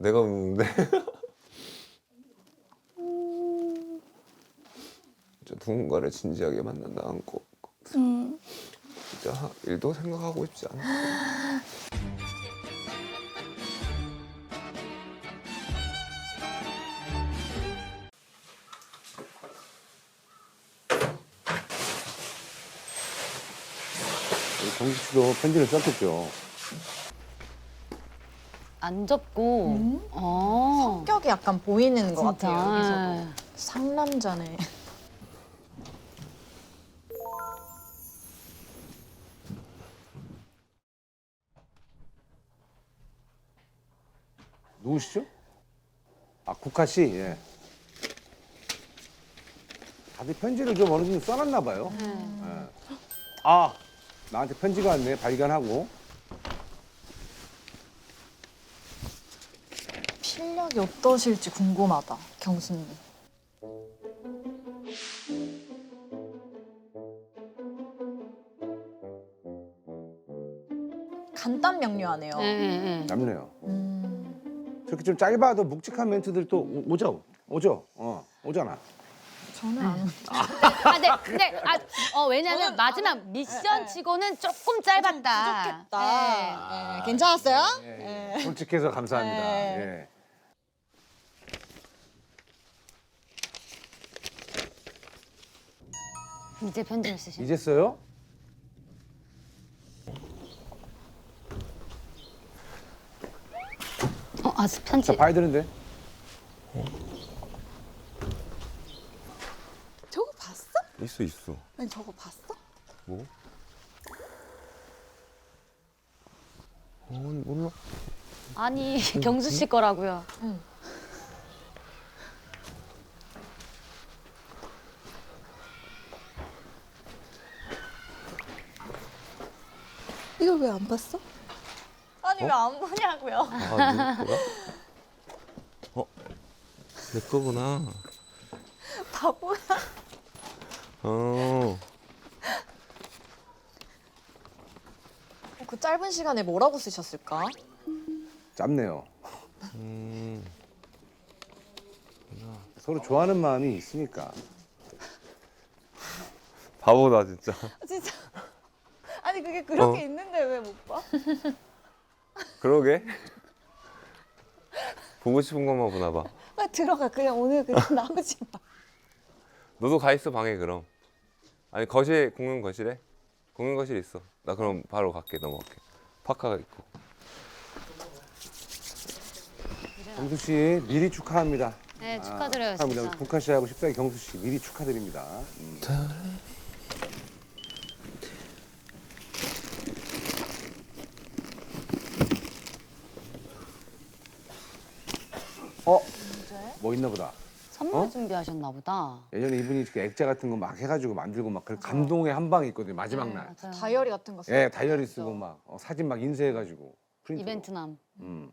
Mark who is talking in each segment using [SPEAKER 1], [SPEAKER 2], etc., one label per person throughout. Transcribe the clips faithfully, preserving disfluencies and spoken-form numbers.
[SPEAKER 1] 내가 묻는데. 진짜 누군가를 진지하게 만난다 않고
[SPEAKER 2] 음.
[SPEAKER 1] 진짜 하- 일도 생각하고 싶지 않아.
[SPEAKER 3] 정식 씨도 편지를 썼겠죠.
[SPEAKER 4] 안 접고.
[SPEAKER 2] 음?
[SPEAKER 4] 어.
[SPEAKER 2] 성격이 약간 보이는 것
[SPEAKER 4] 진짜.
[SPEAKER 2] 같아요, 여기서도. 상남자네.
[SPEAKER 3] 누구시죠? 아, 국화 씨. 예. 다들 편지를 좀 어느 정도 써놨나 봐요. 예. 아, 나한테 편지가 왔네. 발견하고.
[SPEAKER 2] 필력이 어떠실지 궁금하다, 경수님. 간단 명료하네요.
[SPEAKER 4] 예, 예, 예.
[SPEAKER 3] 남네요.
[SPEAKER 2] 음,
[SPEAKER 3] 저렇게 좀 짧아도 묵직한 멘트들 또 오- 오죠? 오죠? 어, 오잖아.
[SPEAKER 2] 저는 안.
[SPEAKER 4] 아, 네, 근데 아, 어 왜냐면
[SPEAKER 2] 저는
[SPEAKER 4] 마지막
[SPEAKER 2] 네,
[SPEAKER 4] 미션
[SPEAKER 2] 네.
[SPEAKER 4] 치고는 조금 짧았다.
[SPEAKER 2] 부족했다. 네, 괜찮았어요?
[SPEAKER 3] 예, 예. 솔직해서 감사합니다.
[SPEAKER 2] 네.
[SPEAKER 3] 예.
[SPEAKER 4] 예. 이제 편지를 쓰신.
[SPEAKER 3] 이제 써요?
[SPEAKER 4] 어, 아, 편지.
[SPEAKER 3] 자, 봐야 되는데.
[SPEAKER 2] 저거 봤어?
[SPEAKER 1] 있어 있어.
[SPEAKER 2] 아니, 저거 봤어?
[SPEAKER 1] 뭐? 어 몰라.
[SPEAKER 4] 아니, 경수 씨 거라고요.
[SPEAKER 2] 이걸 왜 안 봤어? 아니, 왜 안 보냐고요.
[SPEAKER 1] 아 누구 거야? 어? 내 거구나.
[SPEAKER 2] 바보야.
[SPEAKER 1] 어.
[SPEAKER 2] 그 짧은 시간에 뭐라고 쓰셨을까?
[SPEAKER 3] 짧네요.
[SPEAKER 1] 음.
[SPEAKER 3] 서로 좋아하는 마음이 있으니까.
[SPEAKER 1] 바보다 진짜.
[SPEAKER 2] 진짜. 아니, 그게 그렇게
[SPEAKER 1] 어.
[SPEAKER 2] 있는데 왜 못 봐?
[SPEAKER 1] 그러게. 보고 싶은 것만 보나 봐.
[SPEAKER 2] 빨리 들어가. 그냥 오늘 그냥 나오지 마.
[SPEAKER 1] 너도 가 있어 방에 그럼. 아니 거실 공용 거실에? 공용 거실 있어. 나 그럼 바로 갈게 넘어갈게. 파카가 있고.
[SPEAKER 3] 경수 씨 미리 축하합니다.
[SPEAKER 4] 네, 축하드려요,
[SPEAKER 3] 축하합니다.
[SPEAKER 4] 진짜.
[SPEAKER 3] 국화 씨하고 십사기 경수 씨 미리 축하드립니다. 음. 어? 뭐 있나 보다.
[SPEAKER 4] 선물
[SPEAKER 3] 어?
[SPEAKER 4] 준비하셨나 보다.
[SPEAKER 3] 예전에 이분이 이렇게 액자 같은 거 막 해가지고 만들고 막 그 감동의 한 방이 있거든요. 마지막
[SPEAKER 4] 네,
[SPEAKER 3] 날.
[SPEAKER 4] 맞아요.
[SPEAKER 2] 다이어리 같은 거 써.
[SPEAKER 3] 예, 다이어리 쓰고 막 어, 사진 막 인쇄해가지고 프린트로.
[SPEAKER 4] 이벤트남.
[SPEAKER 3] 음.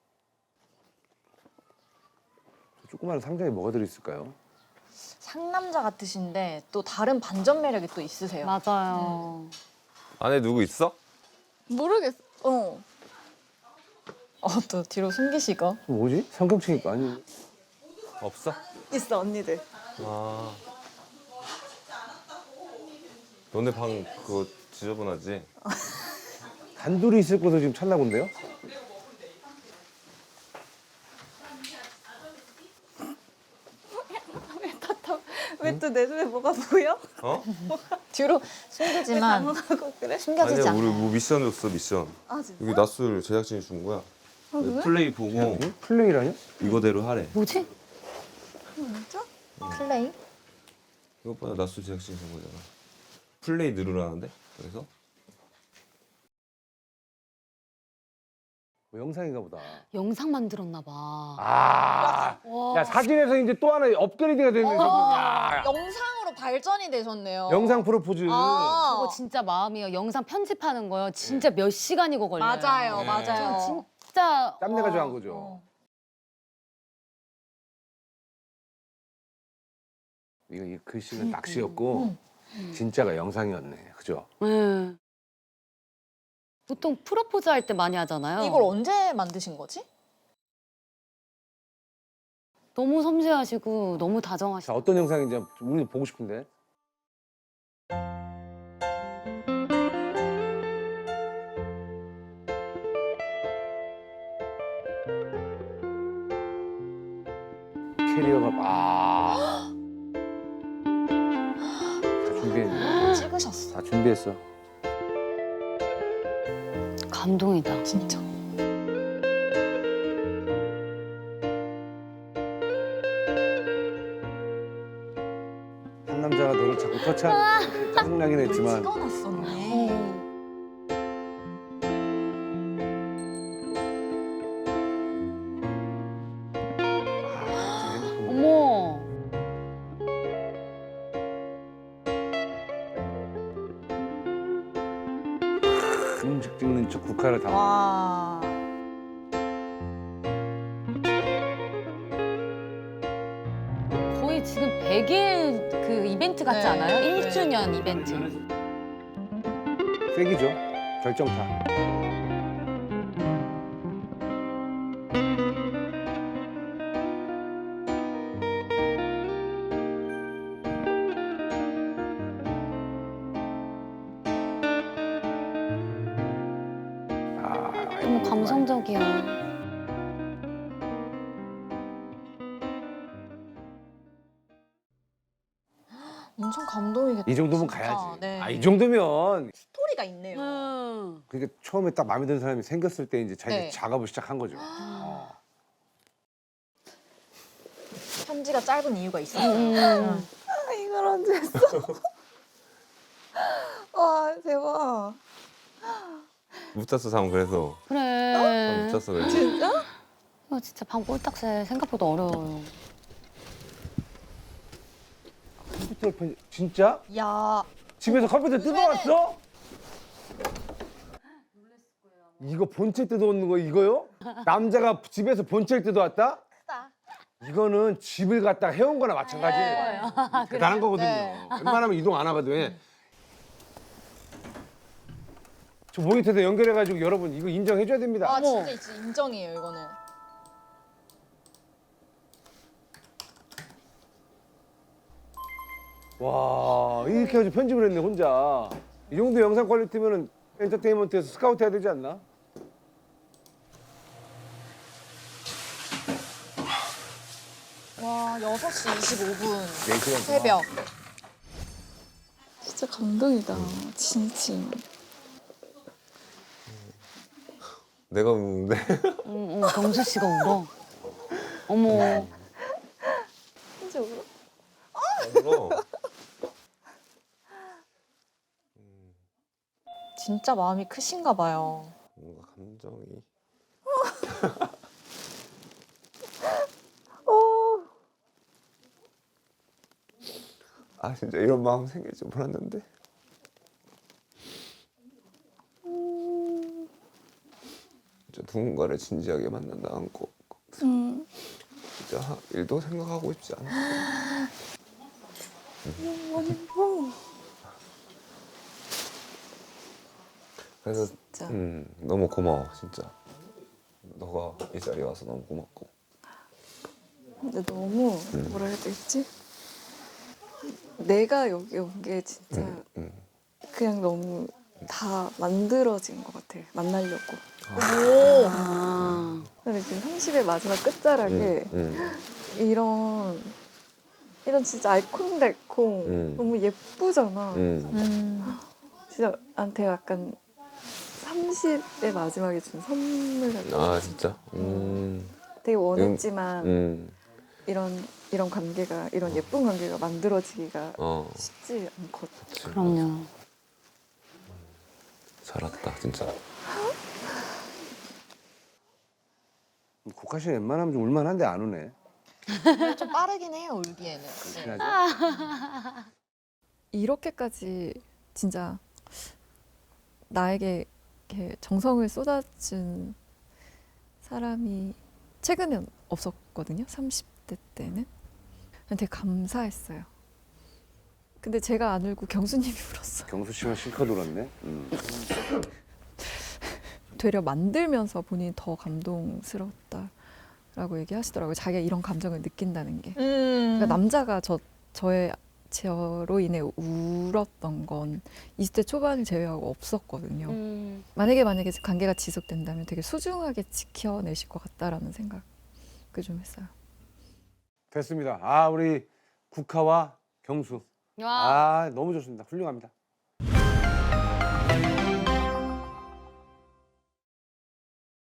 [SPEAKER 3] 저 조그마한 상자에 뭐가 들어있을까요?
[SPEAKER 2] 상남자 같으신데 또 다른 반전 매력이 또 있으세요.
[SPEAKER 4] 맞아요.
[SPEAKER 1] 안에 누구 있어?
[SPEAKER 2] 모르겠어. 어. 어, 또 뒤로 숨기시고.
[SPEAKER 3] 저 뭐지? 성경책이니까 아니.
[SPEAKER 1] 없어?
[SPEAKER 2] 있어, 언니들.
[SPEAKER 1] 아. 너네 방 그거 지저분하지?
[SPEAKER 3] 단둘이 있을 것도 지금 찾나 본데요?
[SPEAKER 2] 왜 또 내 눈에 뭐가 보여?
[SPEAKER 1] 어?
[SPEAKER 2] 뒤로 숨기지만
[SPEAKER 5] 하고 그래?
[SPEAKER 2] 숨겨지지
[SPEAKER 1] 아니야
[SPEAKER 2] 않아.
[SPEAKER 1] 우리 뭐 미션 줬어 미션.
[SPEAKER 5] 아 진짜?
[SPEAKER 1] 여기 낮술 제작진이 준 거야. 플레이 보고
[SPEAKER 3] 응? 플레이라뇨?
[SPEAKER 1] 이거대로 하래.
[SPEAKER 4] 뭐지?
[SPEAKER 5] 진짜?
[SPEAKER 2] 플레이?
[SPEAKER 1] 이것 봐 낮술 제작진이 준 거잖아. 플레이 누르라는데? 그래서?
[SPEAKER 3] 뭐 영상인가 보다.
[SPEAKER 4] 영상 만들었나 봐.
[SPEAKER 3] 아,
[SPEAKER 4] 와.
[SPEAKER 3] 야 사진에서 이제 또 하나 업그레이드가 되는 거. 야,
[SPEAKER 2] 영상으로 발전이 되셨네요.
[SPEAKER 3] 영상 프로포즈.
[SPEAKER 2] 아,
[SPEAKER 4] 그거 진짜 마음이에요. 영상 편집하는 거요. 진짜 몇 시간이고 걸려요.
[SPEAKER 2] 맞아요,
[SPEAKER 1] 네.
[SPEAKER 2] 맞아요.
[SPEAKER 4] 진짜
[SPEAKER 3] 짬내가지고
[SPEAKER 4] 와.
[SPEAKER 3] 한 거죠.
[SPEAKER 2] 어.
[SPEAKER 3] 이거 이 글씨는 낚시였고 진짜가 영상이었네. 그죠?
[SPEAKER 4] 네. 보통 프로포즈 할 때 많이 하잖아요.
[SPEAKER 2] 이걸 언제 만드신 거지?
[SPEAKER 4] 너무 섬세하시고 너무 다정하시고.
[SPEAKER 3] 자, 어떤 영상인지 우리도 보고 싶은데. 캐리어가 아. 다 준비했네.
[SPEAKER 2] 찍으셨어.
[SPEAKER 3] 다 준비했어.
[SPEAKER 4] 감동이다.
[SPEAKER 2] 진짜.
[SPEAKER 3] 한 남자가 너를 자꾸 터치하는 짜증나긴 했지만
[SPEAKER 2] 찍어놨었네.
[SPEAKER 4] 어머.
[SPEAKER 3] 음식 찍는 척 국화를 다.
[SPEAKER 2] 와.
[SPEAKER 4] 거의 지금 백 일 그 이벤트 같지
[SPEAKER 2] 네.
[SPEAKER 4] 않아요?
[SPEAKER 2] 네.
[SPEAKER 4] 일 주년 이벤트.
[SPEAKER 3] 세기죠. 결정타. 아,
[SPEAKER 4] 너무 감성적이야.
[SPEAKER 2] 엄청 감동이겠다.
[SPEAKER 3] 이 정도면
[SPEAKER 2] 진짜.
[SPEAKER 3] 가야지.
[SPEAKER 2] 네.
[SPEAKER 3] 아, 이 정도면
[SPEAKER 2] 스토리가 있네요.
[SPEAKER 4] 음.
[SPEAKER 3] 그러니까 처음에 딱 마음에 드는 사람이 생겼을 때 이제 자기
[SPEAKER 2] 네.
[SPEAKER 3] 작업을 시작한 거죠. 어.
[SPEAKER 2] 편지가 짧은 이유가 있어요.
[SPEAKER 4] 음.
[SPEAKER 5] 아, 이걸 언제 했어? 와, 대박.
[SPEAKER 1] 묻혔어 참 그래서. 아,
[SPEAKER 4] 그래.
[SPEAKER 1] 묻혔어 그래서.
[SPEAKER 5] 진짜?
[SPEAKER 4] 이거 진짜 밤 꼴딱새 생각보다 어려워요.
[SPEAKER 3] 컴퓨터 편 진짜?
[SPEAKER 2] 야,
[SPEAKER 3] 집에서 컴퓨터 뜯어왔어? 이거 본체 뜯어오는 거 이거요? 남자가 집에서 본체를 뜯어왔다?
[SPEAKER 2] 크다.
[SPEAKER 3] 이거는 집을 갖다 해온 거나 마찬가지예요. 대단한 거거든요.
[SPEAKER 2] 네.
[SPEAKER 3] 웬만하면 이동 안 하거든. 왜? 저 모니터에 연결해가지고 여러분 이거 인정해줘야 됩니다.
[SPEAKER 2] 아, 진짜 진짜 인정이에요, 이거는.
[SPEAKER 3] 와 이렇게 해가지고 편집을 했네 혼자. 이 정도 영상 퀄리티면은 엔터테인먼트에서 스카우트 해야 되지 않나?
[SPEAKER 2] 와, 여섯 시 이십오 분.
[SPEAKER 3] 네 시간
[SPEAKER 2] 새벽.
[SPEAKER 5] 진짜 감동이다. 진심.
[SPEAKER 1] 내가 묻는데.
[SPEAKER 4] 응, 응, 경수 씨가 울어. 어머.
[SPEAKER 5] 진짜 울어?
[SPEAKER 1] 울어.
[SPEAKER 2] 진짜 마음이 크신가 봐요.
[SPEAKER 1] 뭔가 감정이. 아 진짜 이런 마음 생길 줄 몰랐는데. 진짜 누군가를 진지하게 만난다는 거
[SPEAKER 5] 응.
[SPEAKER 1] 진짜 하- 일도 생각하고 싶지 않아. 그래서
[SPEAKER 5] 진짜.
[SPEAKER 1] 음, 너무 고마워 진짜. 너가 이 자리에 와서 너무 고맙고.
[SPEAKER 5] 근데 너무 뭐라 해야 되지? 내가 여기 온 게 진짜
[SPEAKER 1] 음.
[SPEAKER 5] 그냥 너무 다 만들어진 것 같아. 만나려고.
[SPEAKER 2] 오.
[SPEAKER 4] 아.
[SPEAKER 5] 근데 지금 삼십의 마지막 끝자락에
[SPEAKER 1] 음, 음.
[SPEAKER 5] 이런 이런 진짜 알콩달콩
[SPEAKER 1] 음.
[SPEAKER 5] 너무 예쁘잖아.
[SPEAKER 1] 음.
[SPEAKER 2] 음.
[SPEAKER 5] 진짜 나한테 약간 삼십의 마지막에 준 선물 같은 거.
[SPEAKER 1] 아 진짜. 음.
[SPEAKER 5] 되게 원했지만
[SPEAKER 1] 음.
[SPEAKER 5] 이런 이런 관계가 이런 예쁜 관계가 만들어지기가
[SPEAKER 1] 어.
[SPEAKER 5] 쉽지 않거든.
[SPEAKER 1] 그치.
[SPEAKER 4] 그럼요.
[SPEAKER 1] 잘 왔다 진짜.
[SPEAKER 3] 국화 씨 웬만하면 좀 울만한데 안 우네.
[SPEAKER 2] 좀 빠르긴 해요, 울기에는. 네.
[SPEAKER 5] 이렇게까지 진짜 나에게 이렇게 정성을 쏟아준 사람이 최근엔 없었거든요. 삼십 대 때는. 되게 감사했어요. 근데 제가 안 울고 경수님이 울었어요.
[SPEAKER 3] 경수 씨만 실컷 울었네. 음.
[SPEAKER 5] 되려 만들면서 본인이 더 감동스러웠다라고 라고 얘기하시더라고요. 자기가 이런 감정을 느낀다는 게.
[SPEAKER 2] 음.
[SPEAKER 5] 그러니까 남자가 저 저의 저로 인해 울었던 건 이십 대 초반을 제외하고 없었거든요.
[SPEAKER 4] 음.
[SPEAKER 5] 만약에 만약에 관계가 지속된다면 되게 소중하게 지켜내실 것 같다라는 생각을 좀 했어요.
[SPEAKER 3] 됐습니다. 아 우리 국화와 경수.
[SPEAKER 4] 와.
[SPEAKER 3] 아 너무 좋습니다. 훌륭합니다.